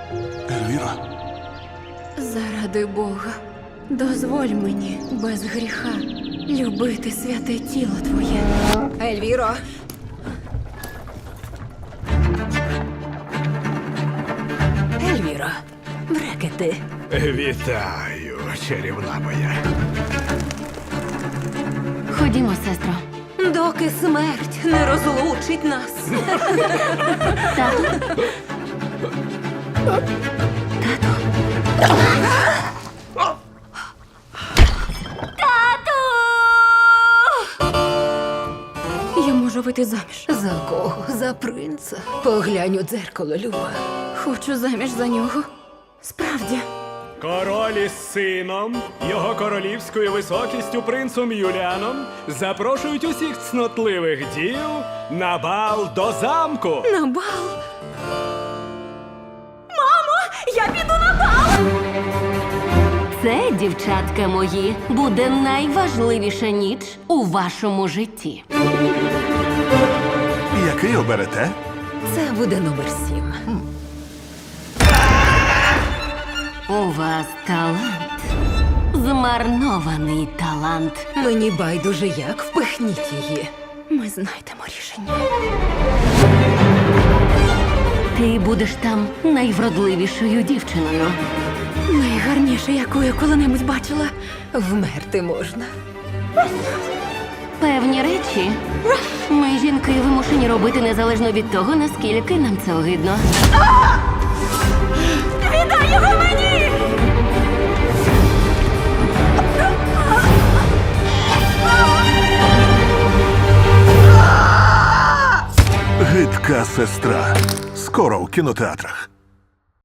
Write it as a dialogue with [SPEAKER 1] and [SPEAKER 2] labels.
[SPEAKER 1] Ельвіра,
[SPEAKER 2] Заради Бога, дозволь мені без гріха любити святе тіло твоє.
[SPEAKER 3] Ельвіро! Ельвіро, брекети.
[SPEAKER 4] Вітаю, чарівна моя.
[SPEAKER 5] Ходімо, сестро.
[SPEAKER 3] Доки смерть не розлучить нас.
[SPEAKER 5] Тату. Тату.
[SPEAKER 2] Я можу вийти заміж.
[SPEAKER 3] За кого? За принца? Поглянь у дзеркало, Люба.
[SPEAKER 2] Хочу заміж за нього. Справді.
[SPEAKER 4] Король із сином, його королівською високістю принцем Юліаном запрошують усіх цнотливих дів на бал до замку.
[SPEAKER 2] На бал. Мамо, я піду на бал!
[SPEAKER 5] Це, дівчатка мої, буде найважливіша ніч у вашому житті.
[SPEAKER 1] який оберете?
[SPEAKER 3] Це буде номер 7.
[SPEAKER 5] У вас талант. Змарнований талант.
[SPEAKER 3] Мені байдуже як, впихніть її.
[SPEAKER 2] Ми знайдемо рішення.
[SPEAKER 5] Ти будеш там найвродливішою дівчиною.
[SPEAKER 2] Найгарніше, яку я коли-небудь бачила.
[SPEAKER 3] Вмерти можна.
[SPEAKER 5] Певні речі ми, жінки, вимушені робити незалежно від того, наскільки нам це огидно.
[SPEAKER 2] Віддай його мені!
[SPEAKER 1] Гидка сестра. Скоро у кінотеатрах.